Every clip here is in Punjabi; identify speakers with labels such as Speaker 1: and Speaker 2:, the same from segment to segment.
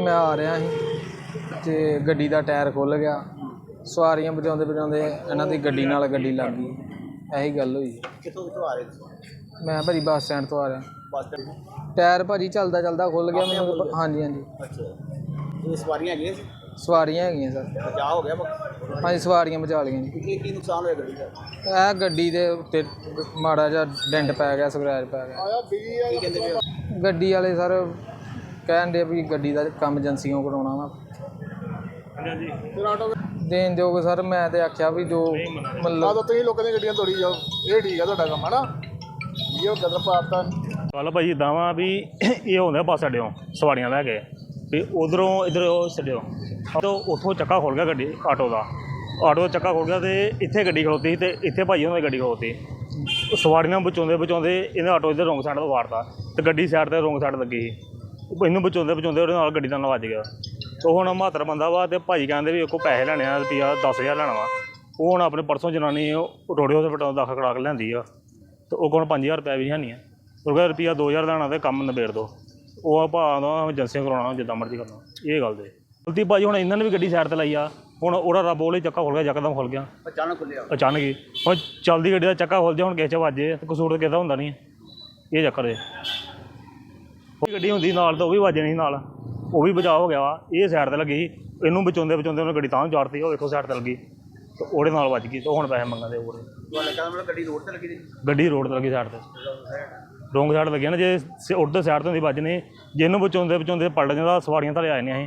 Speaker 1: मैं आ रहा ਸੀ ਤੇ ਗੱਡੀ ਦਾ ਟਾਇਰ ਖੁੱਲ ਗਿਆ। ਸਵਾਰੀਆਂ ਬਚਾਉਂਦੇ ਬਚਾਉਂਦੇ ਇਹਨਾਂ ਦੀ ਗੱਡੀ ਨਾਲ ਗੱਡੀ ਲੱਗ ਗਈ। ਇਹੀ ਗੱਲ ਹੋਈ।
Speaker 2: ਕਿੱਥੋਂ ਆ ਰਹੇ ਤੁਸੀਂ?
Speaker 1: ਮੈਂ ਭਾਜੀ ਬੱਸ ਸਟੈਂਡ ਤੋਂ ਆ ਰਿਹਾ।
Speaker 2: ਬੱਸ ਸਟੈਂਡ
Speaker 1: ਟਾਇਰ ਭਾਜੀ ਚੱਲਦਾ ਚੱਲਦਾ ਖੁੱਲ ਗਿਆ ਮੈਨੂੰ। ਹਾਂਜੀ ਹਾਂਜੀ।
Speaker 2: ਅੱਛਾ, ਇਹ ਸਵਾਰੀਆਂ ਹੈਗੀਆਂ ਸੀ?
Speaker 1: ਸਵਾਰੀਆਂ ਹੈਗੀਆਂ ਸਰ।
Speaker 2: ਬਚਾਅ ਹੋ ਗਿਆ?
Speaker 1: ਹਾਂਜੀ ਸਵਾਰੀਆਂ ਬਚਾ ਲਈਆਂ ਜੀ।
Speaker 2: ਕੀ ਨੁਕਸਾਨ ਹੋਇਆ ਗੱਡੀ ਦਾ?
Speaker 1: ਇਹ ਗੱਡੀ ਦੇ ਉੱਤੇ ਮਾੜਾ ਜਿਹਾ ਡੈਂਟ ਪੈ ਗਿਆ, ਸਕ੍ਰੈਚ ਪੈ ਗਿਆ।
Speaker 2: ਕੀ ਕਹਿੰਦੇ ਪਏ?
Speaker 1: ਗੱਡੀ ਵਾਲੇ ਸਰ ਕਹਿਣ ਦੇ ਵੀ ਗੱਡੀ ਦਾ ਕੰਮ ਏਜੰਸੀਆਂ ਕਰਾਉਣਾ ਵਾ।
Speaker 2: ਹਾਂਜੀ,
Speaker 1: ਦੇਣ ਦਿਓਗੇ ਸਰ? ਮੈਂ ਤੇ ਆਖਿਆ ਵੀ ਜੋ ਮਤਲਬ
Speaker 2: ਤੁਸੀਂ ਲੋਕਾਂ ਦੀਆਂ ਗੱਡੀਆਂ ਤੋੜੀ ਜਾਓ, ਇਹ ਠੀਕ ਆ ਤੁਹਾਡਾ ਕੰਮ ਹੈ ਨਾ। ਇਹ ਗਦਰ ਪਾਤਾ
Speaker 3: ਚੱਲ ਭਾਈ ਇੱਦਾਂ ਵਾ ਵੀ ਇਹ ਹੁੰਦਾ ਬੱਸ ਅੱਡਿਓਂ ਸਵਾਰੀਆਂ ਲੈ ਕੇ ਵੀ ਉਧਰੋਂ ਇੱਧਰ ਉਹ ਛੱਡਿਓ ਤਾਂ ਉੱਥੋਂ ਚੱਕਾ ਖੁੱਲ ਗਿਆ ਗੱਡੀ ਆਟੋ ਦਾ ਚੱਕਾ ਖੁੱਲ ਗਿਆ ਅਤੇ ਇੱਥੇ ਗੱਡੀ ਖਲੋਤੀ ਸੀ ਅਤੇ ਇੱਥੇ ਭਾਈ ਉਹਨਾਂ ਦੀ ਗੱਡੀ ਖਲੋਤੀ। ਸਵਾਰੀਆਂ ਬਚਾਉਂਦੇ ਬਚਾਉਂਦੇ ਇਹਨੇ ਆਟੋ ਇੱਧਰ ਰੋਂਗ ਸਾਈਡ ਤੋਂ ਵਾਰਤਾ ਅਤੇ ਗੱਡੀ ਸਾਈਡ 'ਤੇ ਰੋਂਗ ਸਾਈਡ ਲੱਗੀ ਸੀ। ਇਹਨੂੰ ਬਚਾਉਂਦੇ ਬਚਾਉਂਦੇ ਉਹਦੇ ਨਾਲ ਗੱਡੀ ਨਾਲ ਵੱਜ ਗਿਆ। ਉਹ ਹੁਣ 72 ਬੰਦਾ ਵਾ ਅਤੇ ਭਾਜੀ ਕਹਿੰਦੇ ਵੀ ਉਹ ਪੈਸੇ ਲੈਣੇ ਆ, ਰੁਪਈਆ 10,000 ਲੈਣਾ ਵਾ। ਉਹ ਹੁਣ ਆਪਣੇ ਪਰਸੋਂ ਜਨਾਨੀ ਰੋੜੇ ਹਸਪਤਾਲ ਦਾਖਲ ਕਰਾ ਕੇ ਲਿਆਂਦੀ ਆ ਅਤੇ ਉਹ ਕੋਲ 5,000 ਰੁਪਇਆ ਵੀ ਹੈ ਨਹੀਂ ਆ। ਉਹ ਕਹਿੰਦਾ ਰੁਪਈਆ 2,000 ਲੈਣਾ ਅਤੇ ਕੰਮ ਨਿਬੇੜ ਦਿਓ। ਉਹ ਭਾਅ ਦਾ ਏਜੰਸੀਆਂ ਕਰਾਉਣਾ ਜਿੱਦਾਂ ਮਰਜ਼ੀ ਕਰਨਾ। ਇਹ ਗੱਲ ਦੇ ਗਲਤੀ ਭਾਜੀ ਹੁਣ ਇਹਨਾਂ ਨੇ ਵੀ ਗੱਡੀ ਸਾਈਡ 'ਤੇ ਲਾਈ ਆ। ਹੁਣ ਉਹਦਾ ਰੱਬ ਉਹਲੇ ਚੱਕਾ ਖੁੱਲ ਗਿਆ, ਯਕਦਮ ਖੁੱਲ ਗਿਆ
Speaker 2: ਅਚਾਨਕ ਖੁੱਲਿਆ।
Speaker 3: ਅਚਾਨਕ ਹੀ। ਹੁਣ ਚੱਲਦੀ ਗੱਡੀ ਦਾ ਚੱਕਾ ਖੁੱਲ ਜਾ, ਹੁਣ ਕਿਸੇ 'ਚ ਵੱਜੇ ਤਾਂ ਕਸੂਰ ਕਿਸੇ ਦਾ ਹੁੰਦਾ ਨਹੀਂ। ਇਹ ਚੱਕਰ ਹੈ। ਗੱਡੀ ਹੁੰਦੀ ਨਾਲ ਤਾਂ ਉਹ ਵੀ ਵੱਜਣੀ ਸੀ ਨਾਲ, ਉਹ ਵੀ ਬਚਾਅ ਹੋ ਗਿਆ ਵਾ। ਇਹ ਸਾਈਡ 'ਤੇ ਲੱਗੀ, ਇਹਨੂੰ ਬਚਾਉਂਦੇ ਬਚਾਉਂਦੇ ਉਹਨੇ ਗੱਡੀ ਤਾਂ ਚਾੜਤੀ। ਉਹ ਵੇਖੋ ਸਾਈਡ 'ਤੇ ਲੱਗੀ ਅਤੇ ਉਹਦੇ ਨਾਲ ਵੱਜ ਗਈ ਅਤੇ ਹੁਣ ਪੈਸੇ ਮੰਗਦੇ ਹੋਰ।
Speaker 2: ਗੱਡੀ ਰੋਡ 'ਤੇ ਲੱਗੀ ਸੀ?
Speaker 3: ਗੱਡੀ ਰੋਡ 'ਤੇ ਲੱਗੀ ਸਾਈਡ 'ਤੇ, ਰੋਂਗ ਸਾਈਡ ਲੱਗੀ ਨਾ। ਜੇ ਉੱਧਰ ਸਾਈਡ ਤੋਂ ਹੁੰਦੀ ਵੱਜਣੀ, ਜੇ ਇਹਨੂੰ ਬਚਾਉਂਦੇ ਬਚਾਉਂਦੇ ਪਲਟ ਜਾਂਦਾ ਸਵਾਰੀਆਂ ਥੱਲੇ ਆ ਜਾਂਦੀਆਂ ਸੀ।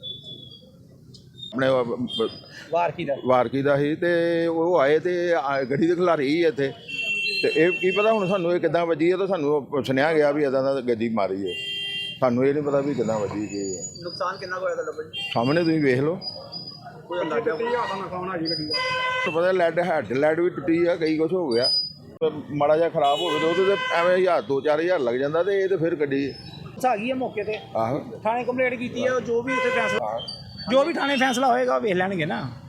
Speaker 4: ਆਪਣੇ ਵਾਰਕੀ ਦਾ ਸੀ ਤੇ ਉਹ ਆਏ ਤੇ ਗੱਡੀ ਦੇ ਖਿਲਾਰੀ ਸੀ ਇੱਥੇ ਤੇ ਇਹ ਕੀ ਪਤਾ ਹੁਣ ਸਾਨੂੰ ਇਹ ਕਿੱਦਾਂ ਵੱਜੀ ਹੈ। ਤਾਂ ਸਾਨੂੰ ਸੁਣਿਆ ਗਿਆ ਵੀ ਇੱਦਾਂ ਦਾ ਗੱਡੀ ਮਾਰੀ ਹੈ। ਸਾਨੂੰ ਇਹ ਨਹੀਂ ਪਤਾ ਵੀ ਕਿੱਦਾਂ ਵੱਜੀ ਕੀ ਹੈ।
Speaker 2: ਨੁਕਸਾਨ ਕਿੰਨਾ ਹੋਇਆ ਤੁਹਾਡਾ ਭਾਜੀ?
Speaker 4: ਸਾਹਮਣੇ ਤੁਸੀਂ ਵੇਖ ਲਓ।
Speaker 2: ਕੋਈ ਅੰਦਾਜ਼ਾ ਨੁਕਸਾਨ ਆ ਜੀ ਗੱਡੀ ਦਾ?
Speaker 4: ਪਤਾ ਹੈਡ ਵੀ ਟੁੱਟੀ ਆ, ਕਈ ਕੁਛ ਹੋ ਗਿਆ। ਮਾੜਾ ਜਿਹਾ ਖਰਾਬ ਹੋਵੇ ਤਾਂ ਉਹਦੇ ਤੇ ਐਵੇਂ 1,000 2-4,000 ਲੱਗ ਜਾਂਦਾ ਤੇ ਇਹ ਤਾਂ ਫਿਰ ਗੱਡੀ
Speaker 2: ਆ ਗਈ ਹੈ ਮੌਕੇ ਤੇ।
Speaker 4: ਆਹੋ
Speaker 2: ਥਾਣੇ ਕੰਪਲੇਂਟ ਕੀਤੀ ਹੈ। ਜੋ ਵੀ ਉੱਥੇ ਫੈਸਲਾ, ਜੋ ਵੀ ਥਾਣੇ ਫੈਸਲਾ ਹੋਏਗਾ ਵੇਖ ਲੈਣਗੇ ਨਾ।